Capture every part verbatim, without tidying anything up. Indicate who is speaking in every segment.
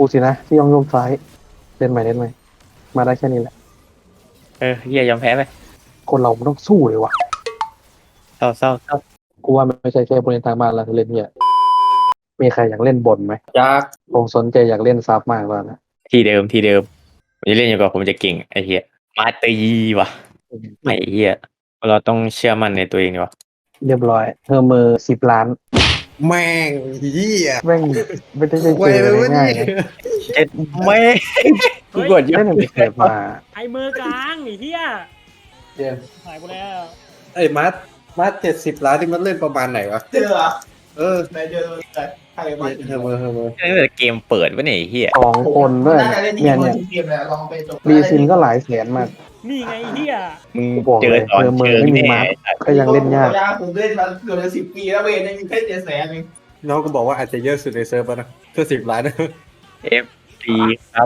Speaker 1: กูสินะที่ย่องโยมซ้ายเล่นใหม่เล่นใหม่มาได้แค่นี้แหละ
Speaker 2: เออเฮียยอมแพ้ไป
Speaker 1: คนเรามันต้องสู้เลยวะ
Speaker 2: เศร้าเศร้าเศร้า
Speaker 1: กูว่ามันไม่ใช่แค่ผู้เล่นทางบ้านเราที่เล่นเนี่ยมีใครอยากเล่นบนไหม
Speaker 3: อยาก
Speaker 1: ผมสนใจอยากเล่นซับมากแล้วนะ
Speaker 2: ทีเดิมทีเดิมผมจะเล่นอยู่กับผมจะเก่งไอ้เฮียมาตีว่ะไม่เฮียเราต้องเชื่อมั่นในตัวเองดีวะ
Speaker 1: เรียบร้อยเฮอร์เมอร์สิบล้าน
Speaker 3: แม่งเหี้ย
Speaker 1: แม่งไม่ได้เจอ
Speaker 3: ไวเลยวะ
Speaker 1: ง่า
Speaker 3: นี่
Speaker 1: ยๆนะ
Speaker 2: เจ็ดไม่กูกดเย
Speaker 1: เล่
Speaker 2: อะ
Speaker 1: นหนึ่งเกิดมา
Speaker 4: ไอ้มือกลางไอ้เหี้ย
Speaker 3: เหี้ย
Speaker 4: หายกูแล้ว
Speaker 3: ไอ้มัดมัดเจ็ดสิบล้านที่มันเล่นประมาณไหนวะ
Speaker 5: เจอเหรอ
Speaker 3: เออ
Speaker 5: ไหนเจอแต่ใครมา
Speaker 3: เฮอร์เมอร์เฮอร์เมอร์
Speaker 2: ตั้งแต่เกมเปิดวะเนี่ยไอ้เฮีย
Speaker 1: สองคนด้วย
Speaker 5: น่าจะเล่นที
Speaker 1: เนี่ย
Speaker 5: ม
Speaker 1: เนี่ย
Speaker 5: ทีมเลยลองไปจบ
Speaker 1: รีซินก็หลายแสนมาก
Speaker 4: นี่ไงไอ้เหี้ย
Speaker 2: มึง
Speaker 1: กูบอก
Speaker 2: เจ
Speaker 1: เล
Speaker 2: อย ตอน
Speaker 1: เจอมือ
Speaker 2: เชิง
Speaker 1: ไม่มี
Speaker 2: แน่
Speaker 1: มาร์ค ก็ยังเล่นยาก
Speaker 5: ผมเล่นมาเกือบจะสิบปีแล้วเว้ยยังมีแค่เจ็ดแสนเอง
Speaker 3: น้องก็บอกว่าอาจจะเยอะสุดในเซิร์ฟแล้วนะเพื่อสิบล้านนะ
Speaker 2: เอฟดีครับ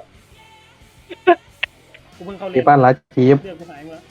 Speaker 4: กูเพิ่งเข้าเล่
Speaker 1: ที่
Speaker 4: น
Speaker 1: บ้านรัดคีฟ
Speaker 4: เรื่องกูหายหมดแล้ว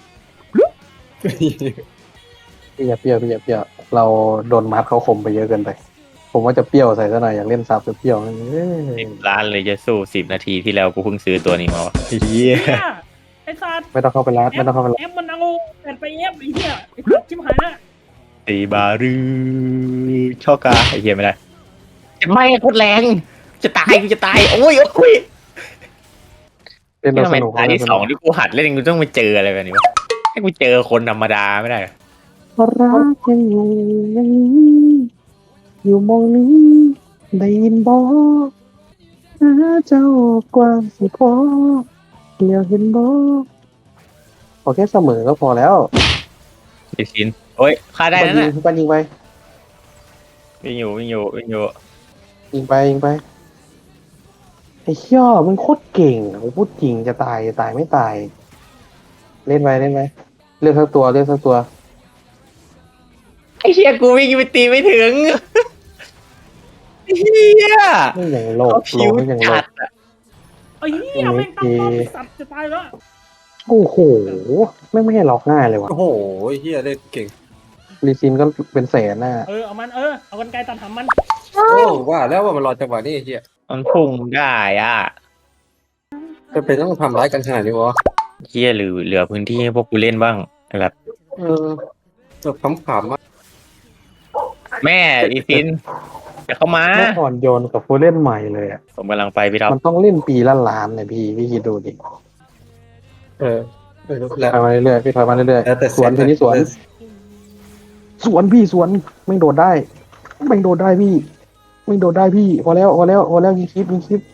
Speaker 1: พี่อย่าเปรี้ยวพี่อย่าเปรี้ยวเราโดนมาร์คเขาข่มไปเยอะเกินไป ผมว่าจะเปรี้ยวใส่ซะหน่อยอยากเล่นซับจะเปรี้ยวนั่นเอ้ย
Speaker 2: สิบล้านเลยจะสู้สิบนาทีที่แล้วกูเพิ่งซื้อตัวนี้มาวะเฮีย
Speaker 4: เหี้ยไอ้สัตว์
Speaker 1: ไม่ต้องเข้าไปรัดไม่ต้องเข้าไปรัด
Speaker 4: เอฟมันเอาแอนไปเอฟไอ้เหี้ยไอ้สัตว์ชิบหายละ
Speaker 2: ตีบารือชอกาไอ้เฮียไม่ได้ไม่โคตรแรงจะตายกูจะตายโอ้ยโอ้ย
Speaker 1: เล่น
Speaker 2: นี่
Speaker 1: เรา
Speaker 2: ทำไม
Speaker 1: สนุก
Speaker 2: ตาที่สองที่กูหัดเล่นกูต้องไปเจออะไรแบบนี้วะให้กูเจอคนธรรมดาไม่ได้เหรอ
Speaker 1: รักยังอยู่อย่างนี้อยู่มองนี้ได้ยินบอกหาเจ้ากว้างสิพอเดียวเห็นบอกขอแค่เสมอก็พอแล้ว
Speaker 2: ดิชินโอ้ยฆ่าได้นั่น
Speaker 1: ยิ
Speaker 2: น่ะ
Speaker 1: งปันยิงไป
Speaker 2: วิ่งอยู่วิ่งอยู่วิ่งอยู่
Speaker 1: ยิงไปยิงไปไอ้เหี้ยมันโคตรเก่งผมพูดจริงจะตายจะตายไม่ตาย เล่นไปเล่นไปเลือกสักตัวเลือกสักตัว
Speaker 2: ไอ้เชี่ยกูวิ่งไปตีไม่ถึงเฮีย
Speaker 1: ไม่อย่างโลก
Speaker 2: เขา
Speaker 1: โล
Speaker 2: ผิว
Speaker 1: กไม่อย่างโล
Speaker 2: จั
Speaker 1: ก
Speaker 2: ดอะ
Speaker 4: ไอ้เหี้ยแม่งตั้งป้อมไอ้สัตว์จะตายแล้ว
Speaker 1: โอ้โหไม่ไม่ให้ล็อกง่ายเลยว่ะ
Speaker 3: โอ้โหเฮียเล่นเก่ง
Speaker 1: รีซินก็เป็นแสนน่ะ
Speaker 4: เออเอามันเออเอากันไกลตัดหำมัน
Speaker 3: โอ้ว่าแล้วว่ามันรอจังหวะนี้ไอ้เฮีย
Speaker 2: มันพุ่งได้อ่ะ
Speaker 3: จะเป็นต้องทำร้ายกันขนาดนี้วะ
Speaker 2: เฮียหรือเหลือพื้นที่ให้พวกกูเล่นบ้างแบบ
Speaker 3: เออแบบขำๆอ่ะ
Speaker 2: แม่ดิชินจะเข้ามา
Speaker 1: เมื่อก่อนโยนกับผู้เล่นใหม่เลยอ่ะ
Speaker 2: ผมกำลังไปพี่ท็อป
Speaker 1: มันต้องเล่นปีละล้านเนี่ยพี่พี่คิดดูดิ
Speaker 3: เออเออแล้ว
Speaker 1: ถอยมาเรื่อยๆพี่ถอยมาเรื่อย
Speaker 3: แล้วแต่
Speaker 1: ๆสวนทีนี้สวน สวนพี่สวนไม่โดดได้ไม่โดดได้พี่ไม่โดดได้พี่พอแล้วพอแล้วพอแล้วยิงคลิปยิงคลิป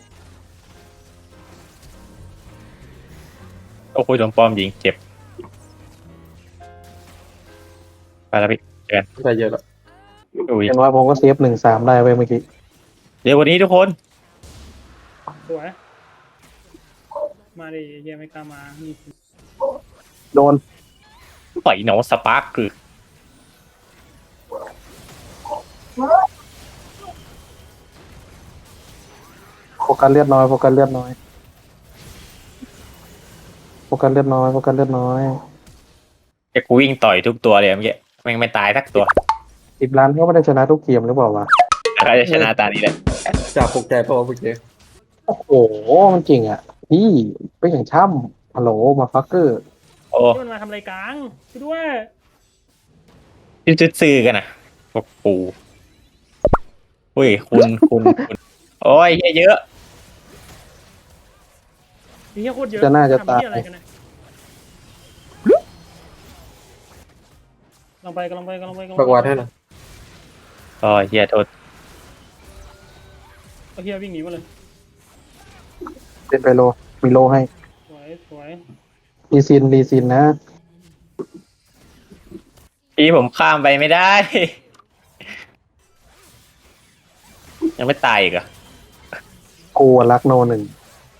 Speaker 2: โอ้โหโดนป้อมยิงเจ็บไปแล้วพี่
Speaker 3: ได้เยอะแล้ว
Speaker 2: อุ้ย
Speaker 1: อย่างน้อยผมก็เซฟหนึ่งสามได้ไว้เมื่อกี้
Speaker 2: เดี๋ยววันนี้ทุกคน
Speaker 4: สวยมาดิไอ้เหี้ยไม่กล้ามานี่
Speaker 1: โดน
Speaker 2: ปล่อยหนอสปาร์คคือ
Speaker 1: โฟกัสเลือดน้อยโฟกัสเลือดน้อยโฟกัสเลือดน้อยโฟกัสเลือดน้อย
Speaker 2: จะกูวิ่งต่อยทุกตัวเลยเมื่อกี้แม่งไม่ตายสักตัว
Speaker 1: สิบล้านก็ไม่ได้ชนะทุกเกมหรือเปล่าวะ
Speaker 2: ใครจะชนะตานี้แหละ
Speaker 3: จากปลุกใจเพราะว่าเมื่อกี้
Speaker 1: โอ้โหมันจริงอ่ะพี่เป็นอย่างช่ำฮัลโหลมาฟักเกอร์
Speaker 2: โอ้
Speaker 4: ที่มันมาทำอะไรกลางช่วยด้วย
Speaker 2: ยจะซื้อกันนะพวกปูอุ้ยคุณคุณคุณโอ้ยเหี้ยเยอะ
Speaker 4: ไอ้เหี้ยโคตรเยอะ
Speaker 1: จะน่าจะ
Speaker 4: ทำ
Speaker 1: ตาย
Speaker 4: เหี้ยอะไรกันเนี่ยลองไปกำลังไปกำลังไปกำลัง
Speaker 3: ประ
Speaker 4: ไป
Speaker 3: วัติให้หน่อย
Speaker 2: โอ้ยเฮียโทษ
Speaker 4: เอาเหี้ยวิ่งหนีมาเลย
Speaker 1: เล่นไปโลมีโลให้
Speaker 4: สวยสวย
Speaker 1: รีซินรีซินนะ
Speaker 2: พี่ผมข้ามไปไม่ได้ ยังไม่ตายอีกเหรอ่ะ
Speaker 1: กูอะรักโนหนึ่ง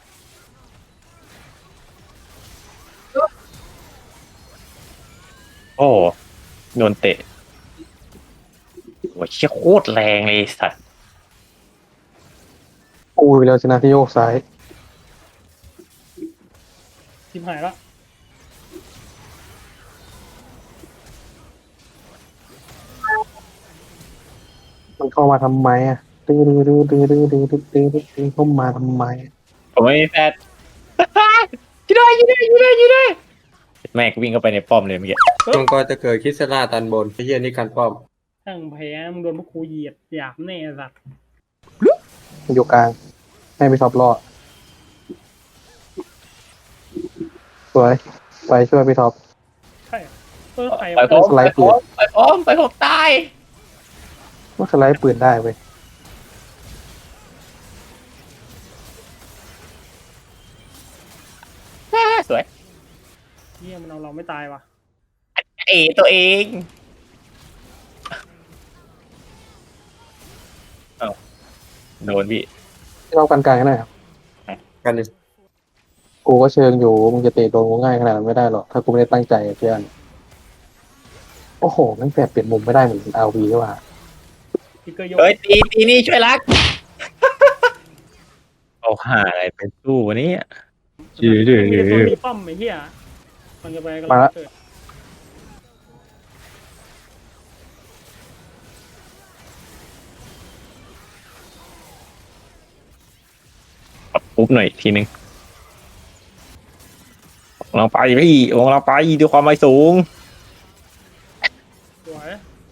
Speaker 2: โอ้โดนเตะโอ้ยเชี่ยโคตรแรงเลยไอ้สัตว์
Speaker 1: กูไปแล้วชนะที่โยกซ้าย
Speaker 4: ทิมหายละ
Speaker 1: มันเข้ามาทำไมอ่ะดื้อดื้อดื้อดื้อดื้อดื้อดื้อดื้อดื้อดื้อเข้ามาทำไม
Speaker 2: ผมไม่มีแฟด ช่วยด้วยช่วยด้วยช่วยด้วยช่วยด้วยแม่งวิ่งเข้าไปในป้อมเลยเมื่อกี้
Speaker 3: มังกรจะเกิดคริสลาตันบนไอ้เหี้ยนี่การป้อม
Speaker 4: ทั้งแพ้มึงโดนพวกครูเหยียดหยาบแน่สัตว์
Speaker 1: อยู่กลางให้ไปท็อปรอดสวยไปช่วยพี่ท็อป
Speaker 4: ใช่เออใคร
Speaker 2: ไปพร้อม
Speaker 1: สไล
Speaker 2: ไป
Speaker 1: ด์
Speaker 2: พร้อมไปพร้อมไปพร้อมตาย
Speaker 1: ว่าสไลด์ปืนได้เว้ย
Speaker 2: สวย
Speaker 4: เฮียมันเอาเราไม่ตายว่ะ
Speaker 2: เอตัวเองเอ้าโดนพี่
Speaker 1: ที่เรากันกลางกันหน่อยครับ
Speaker 3: กันดิ
Speaker 1: กูก็เชิงอยู่มึงจะเตะโดนกูง่ายขนาดนั้นไม่ได้หรอกถ้ากูไม่ได้ตั้งใจเพื่อนโอ้โหแม่งแฝดเปลี่ยนมุมไม่ได้เหมือนอาวีด้วยว่ะ
Speaker 4: พิกเกอร์โยก
Speaker 2: เฮ้ยตีตีนี่ช่วยรักเอาหาอะไรเป็นตู้วะเนี่ย ดื้อดื้อ
Speaker 4: มีแต่ตัวมีป้อมไอ้เหี้ยมันจะไปกันแล้วเกิด
Speaker 2: ปรับปุ๊บหน่อยอีกทีนึงลงเราไปพี่ลงเราไปด้วยความไม่สูง
Speaker 4: สวย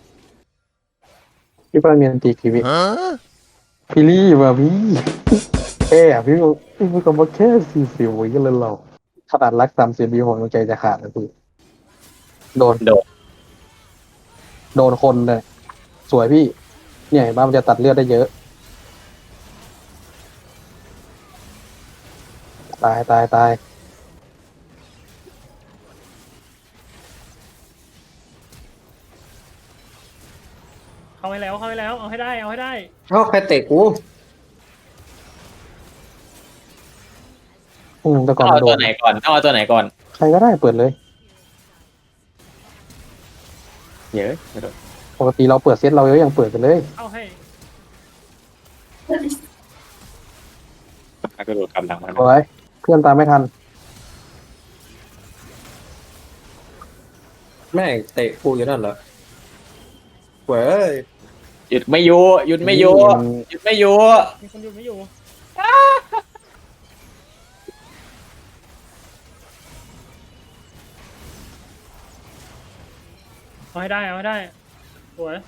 Speaker 1: พี่ป้าเมียนตีกีวิพี่รี่ว่ะพี่แค่อะพี่บอกพี่พูดคำว่าแค่สี่สิบวิกันเลยเราขนาดรักสามสิบวิหัวใจจะขาดนะพี่โดน
Speaker 2: โดด
Speaker 1: โดนคนเลยสวยพี่ เนี่ยเห็นป่ะมันจะตัดเลือดได้เยอะ ตายตายตาย
Speaker 4: เข้าให้แล้วเข้าให้แล้วเอาให้ได้เอาให้ได้
Speaker 3: เอ้าใครเตะกู
Speaker 1: อืมแต่ก่อน
Speaker 2: เอา
Speaker 1: โด
Speaker 2: ตัวน ไหนก่อนเอาตัวไหนก่อน
Speaker 1: ใครก็ได้เปิดเลย
Speaker 2: เยอะไม่โดน
Speaker 1: ปกติเราเปิดเซตเราก็ยังเปิดกันเลย
Speaker 4: เอาให้
Speaker 2: ก็โดดกำลังมัน
Speaker 1: สวยเพื่อนตามไม่ทัน
Speaker 3: แม่งเตะกูอยู่นั่นเหรอเว้ย
Speaker 2: หยุดไม่อยู่หยุดไม่อยู่หยุดไม่อยู่
Speaker 4: มีคนอยู่ไม่อยู่เอาให้ได้เอาให้ได้สวย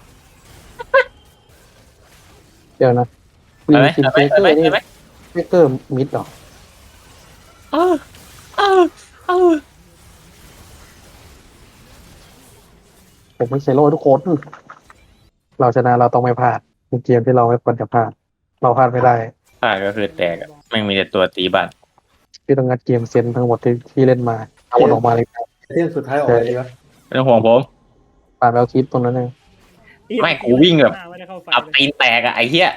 Speaker 1: เดี๋ยวนะ
Speaker 2: เห็นไหม
Speaker 1: คิม
Speaker 2: เห็น
Speaker 1: เฟ
Speaker 2: ไหม
Speaker 1: เกอ
Speaker 2: เห็นไหม
Speaker 1: ร์นี่
Speaker 2: เห็นไหม
Speaker 1: เฟเกอร์มิดเหรอ
Speaker 2: เออเออเออ
Speaker 1: ผมไม่ใช่โลทุกคน เราชนะเราต้องไม่พลาดเป็นเกมที่เราไม่ควรจะพลาด เราพลาดไม่ได้
Speaker 2: อ่าก็คือแตกอะแม่งมีแต่ตัวตีบัตร
Speaker 1: พี่ต้องงัดเกมเซนทั้งหมดที่ที่เล่นมาเอาหมดออกมาเลย
Speaker 3: เที่ยงสุดท้ายออกอะไรดีวะ
Speaker 2: ไม่ต้องห่วงผม
Speaker 1: ผ่านแววคลิปตรงนั้นเอง
Speaker 2: ไม่กูวิ่งแบบ
Speaker 4: ไม่ได้เข้าไฟ
Speaker 2: อับ
Speaker 4: เลย
Speaker 2: ตีนแตกอะไอ้เหี้ย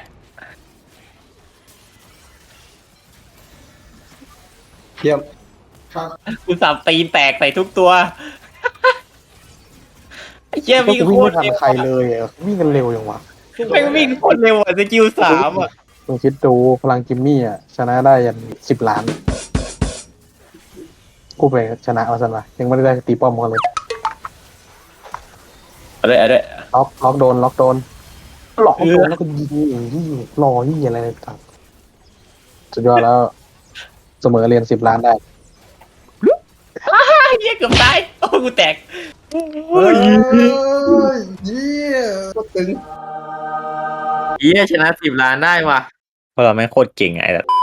Speaker 3: เทียม
Speaker 5: ครับ
Speaker 2: กูสับตีนแตกใส่ทุกตัวไอ้เหี้ย
Speaker 1: ก็
Speaker 2: วิ่ง
Speaker 1: กู
Speaker 2: โค
Speaker 1: วิ่งไม่
Speaker 2: ตร
Speaker 1: ทัน
Speaker 2: เร็ว
Speaker 1: ใครเลยอะวิ่งกันเร็วอย่างวะ
Speaker 2: ไม่งวิ่งโคตรเร็วอะสกิลสามอะ
Speaker 1: ลองคิดดูพลังจิมมี่อ่ะชนะได้ยันสิบล้าน กูไปชนะเอาสันวะยังไม่ได้ตีป้อมกันเลย
Speaker 2: เอาด้วยเอาด้วย
Speaker 1: ล็อกล็อกโดนล็อกโดนล็อกโดนแล้วก็ยิงอย่างที่รอที่อะไรต่างสุดยอดแล้ว เสมอเรียนสิบล้านได้
Speaker 2: ไอ้เหี้ยเกือบตายโอ้กูแตก
Speaker 3: เฮ้ยเยี่ยก็ตึง
Speaker 2: เหี้ยชนะสิบล้านได้ว่ะเพราะเราไม่งโคตรเก่งไอ้แบบ